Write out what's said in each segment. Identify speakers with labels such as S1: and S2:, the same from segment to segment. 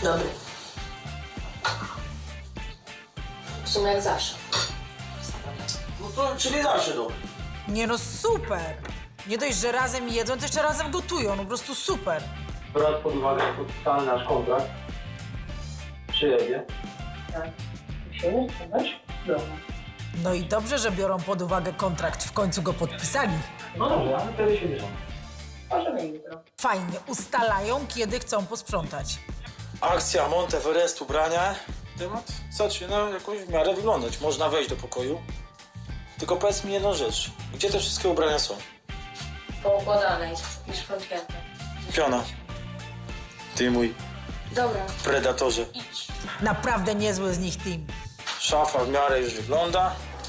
S1: Dobry. W sumie jak zawsze.
S2: No to, czyli zawsze dobry.
S3: Nie no, super! Nie dość, że razem jedzą, to jeszcze razem gotują, no po prostu super.
S2: Brać pod uwagę podpisany nasz kontrakt. Przyjedzie.
S1: Tak. Musimy spróbować? Dobra.
S3: No i dobrze, że biorą pod uwagę kontrakt, w końcu go podpisali.
S2: No dobrze, ale wtedy się bierzemy.
S1: Możemy jutro.
S3: Fajnie, ustalają, kiedy chcą posprzątać.
S4: Akcja Monteverest ubrania. Temat zaczyna jakoś w miarę wyglądać. Można wejść do pokoju. Tylko powiedz mi jedną rzecz. Gdzie te wszystkie ubrania są?
S1: Poukładane i szpątnięte.
S4: Piona. Ty mój
S1: Dobra,
S4: predatorze.
S1: idź.
S3: Naprawdę niezły z nich team.
S4: Szafa w miarę już wygląda.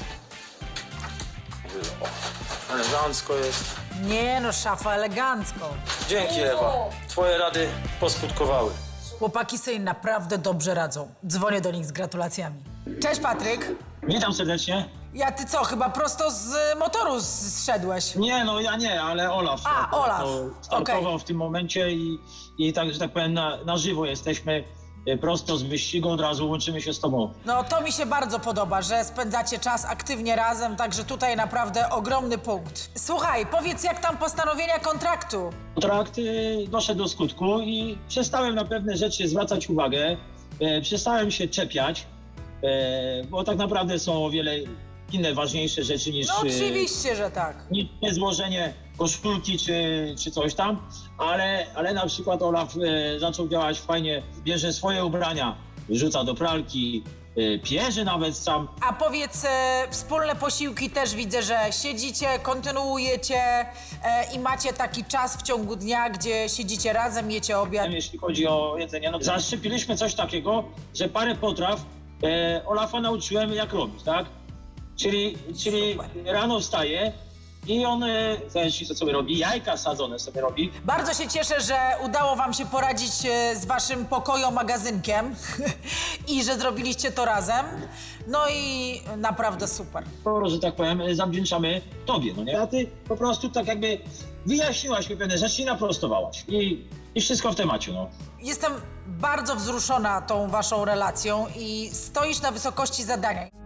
S4: O, elegancko jest.
S3: Nie no, szafa elegancko.
S4: Dzięki, Ewa. Twoje rady poskutkowały.
S3: Chłopaki sobie naprawdę dobrze radzą. Dzwonię do nich z gratulacjami. Cześć Patryk.
S5: Witam serdecznie.
S3: Ja ty co, chyba prosto z motoru zszedłeś?
S5: Nie, no ja nie, ale Olaf.
S3: A, Olaf.
S5: To startował
S3: Okej.
S5: w tym momencie i tak, że tak powiem, na żywo jesteśmy prosto z wyścigu, od razu łączymy się z tobą.
S3: No to mi się bardzo podoba, że spędzacie czas aktywnie razem, także tutaj naprawdę ogromny punkt. Słuchaj, powiedz jak tam postanowienia kontraktu?
S5: Kontrakt doszedł do skutku i przestałem na pewne rzeczy zwracać uwagę, przestałem się czepiać, bo tak naprawdę są o wiele inne ważniejsze rzeczy niż...
S3: No oczywiście, że tak.
S5: Nie złożenie koszulki czy coś tam, ale na przykład Olaf zaczął działać fajnie, bierze swoje ubrania, wrzuca do pralki, pierze nawet sam.
S3: A powiedz, wspólne posiłki też widzę, że siedzicie, kontynuujecie i macie taki czas w ciągu dnia, gdzie siedzicie razem, jecie obiad.
S5: Jeśli chodzi o jedzenie, no zaszczepiliśmy coś takiego, że parę potraw Olafa nauczyłem jak robić, tak? Czyli rano wstaje i on, co sobie robi, jajka sadzone sobie robi.
S3: Bardzo się cieszę, że udało wam się poradzić z waszym pokojo-magazynkiem i że zrobiliście to razem. No i naprawdę super.
S5: To, że tak powiem, zawdzięczamy tobie, no nie? A ty po prostu tak jakby wyjaśniłaś mi pewne rzeczy i naprostowałaś. I wszystko w temacie, no.
S3: Jestem bardzo wzruszona tą waszą relacją i stoisz na wysokości zadania.